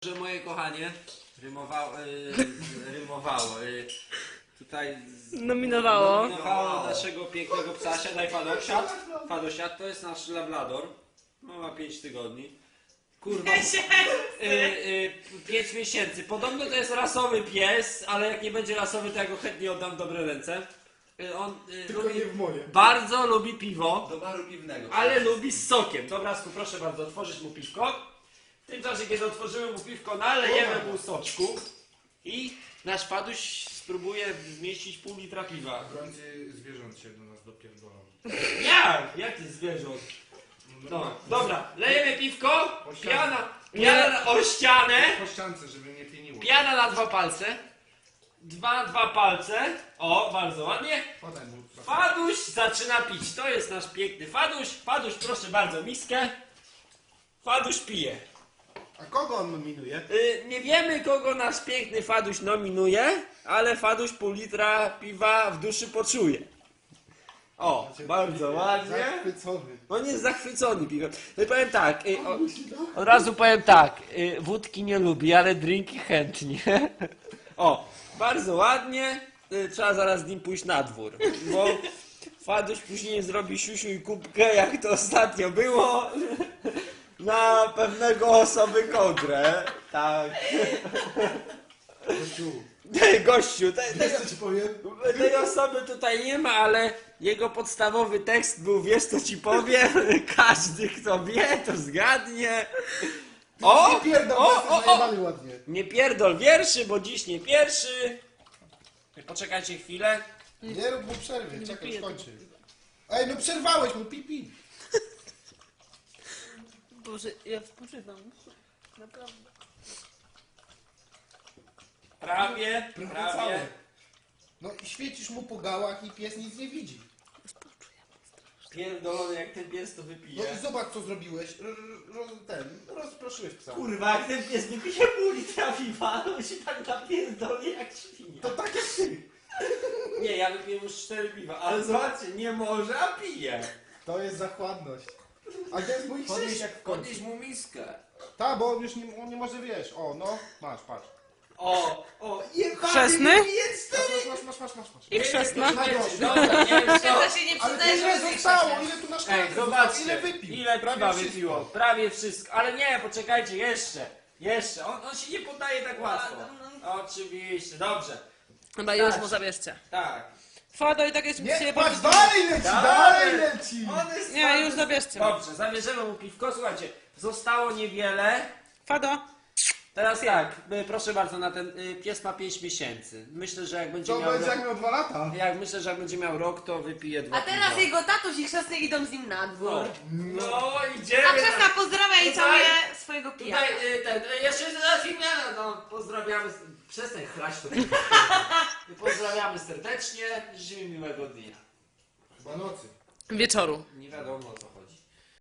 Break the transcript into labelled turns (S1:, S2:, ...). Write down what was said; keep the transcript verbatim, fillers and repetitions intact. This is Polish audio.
S1: Że moje kochanie rymowało, y, rymowało y, tutaj
S2: Nominowało.
S1: nominowało naszego pięknego psasia. Daj Fadosiad. Fadosiad to jest nasz labrador. No, ma pięć tygodni. Kurwa. Y, y, pięć miesięcy. Podobno to jest rasowy pies, ale jak nie będzie rasowy, to ja go chętnie oddam w dobre ręce. Y, on y,
S3: Tylko
S1: lubi,
S3: nie w moje.
S1: bardzo lubi piwo,
S4: Do baru piwnego.
S1: ale lubi z sokiem. Dobrasku, proszę bardzo, otworzyć mu piwko. W tym czasie, kiedy otworzymy mu piwko, nalejemy mu soczku i nasz Faduś spróbuje zmieścić pół litra piwa.
S3: W końcu zwierząt się do nas dopierdolą.
S1: Jak? Jak ty zwierząt? No, dobra, lejemy piwko,
S3: O ścianę.
S1: piana, piana na, o ścianę,
S3: Po ściance, żeby nie pieniło.
S1: piana na dwa palce, dwa, dwa palce, o, bardzo ładnie.
S3: Podaj mu.
S1: Faduś zaczyna pić, to jest nasz piękny Faduś. Faduś, proszę bardzo, miskę. Faduś pije.
S3: A kogo on nominuje?
S1: Y, nie wiemy, kogo nasz piękny Faduś nominuje, ale Faduś pół litra piwa w duszy poczuje. O, bardzo ładnie.
S3: Zachwycony.
S1: On jest zachwycony piwem. No i powiem tak, y, o, od razu powiem tak, y, wódki nie lubi, ale drinki chętnie. O, bardzo ładnie. Y, trzeba zaraz z nim pójść na dwór, bo Faduś później zrobi siusiu i kubkę, jak to ostatnio było. Na pewnego osoby kodrę. Tak.
S3: Gościu,
S1: Gościu, te,
S3: wiesz
S1: tego,
S3: co ci powiem?
S1: tej osoby tutaj nie ma, ale jego podstawowy tekst był, wiesz co ci powiem? Każdy kto wie, to zgadnie. O!
S3: Nie pierdol,
S1: O,
S3: jesteś
S1: o, o!
S3: najebany ładnie.
S1: Nie pierdol wierszy, bo dziś nie pierwszy. Poczekajcie chwilę.
S3: Nie rób mu przerwy, czekaj,
S2: wypiję
S3: skończy. Ej, no przerwałeś mu, pipi.
S2: Boże, ja spoczywam. Naprawdę.
S1: Prawie,
S3: Prawie
S1: prawie.
S3: całe. No i świecisz mu po gałach i pies nic nie widzi.
S1: Pierdolony, jak ten pies to
S3: No
S1: wypije.
S3: i zobacz co zrobiłeś. Ro, ro, ten, rozproszyłeś psa.
S1: Kurwa, jak ten pies wypije pół litra piwa, to się tak napierdolnie jak świnia.
S3: To tak jak ty.
S1: Nie, ja wypiję już cztery piwa, ale zobaczcie, nie może, a pije.
S3: To jest zachładność. A gdzie jest mój
S4: Podnieś,
S3: krzyż jak w końcu?
S4: podnieś mu miskę.
S3: Tak, bo on już nie, on nie może, wiesz. O, no, masz, patrz.
S1: O, o, jebany
S2: Chrzestny?
S1: wypije cztery.
S3: Masz, masz, masz, masz, masz.
S2: I chrzestna?
S1: Dobra, nie wiem co.
S5: To się nie
S3: Ale
S5: przyznaje,
S3: ile
S5: że
S3: zostało? Ile tu na szkole
S1: Ej,
S3: zostało?
S1: zobaczcie,
S3: Ile wypił?
S1: ile
S3: Prawie
S1: piwa
S3: wszystko.
S1: wypiło. Prawie wszystko. Ale nie, poczekajcie, jeszcze. Jeszcze. On, on się nie poddaje tak łatwo. Oczywiście, dobrze.
S2: Chyba już mu zabierzcie.
S1: Tak.
S2: Fado i tak jeszcze
S3: Nie,
S2: się
S3: patrz, dalej leci, dalej leci!
S1: On jest
S2: Nie,
S1: twardy.
S2: już zabierzcie.
S1: Dobrze, zabierzemy mu piwko. Słuchajcie, zostało niewiele.
S2: Fado.
S1: Teraz tak, y, proszę bardzo, na ten y, pies ma pięć miesięcy. Myślę, że jak będzie
S3: To
S1: miał
S3: będzie
S1: rok,
S3: jak miał dwa lata.
S1: jak myślę, że jak będzie miał rok, to wypije dwa
S5: A teraz
S1: piwa.
S5: jego tatuś i chrzestny idą z nim na dwór.
S1: No, no idziemy.
S5: A chrzestna pozdrawia i
S1: Tutaj-
S5: całuje swojego pijaka.
S1: Tutaj y, ten, y, jeszcze raz imiona, no pozdrawiamy, przestań chlać to. Pozdrawiamy serdecznie, życzymy miłego dnia.
S3: Chyba nocy.
S2: Wieczoru.
S1: Nie wiadomo co.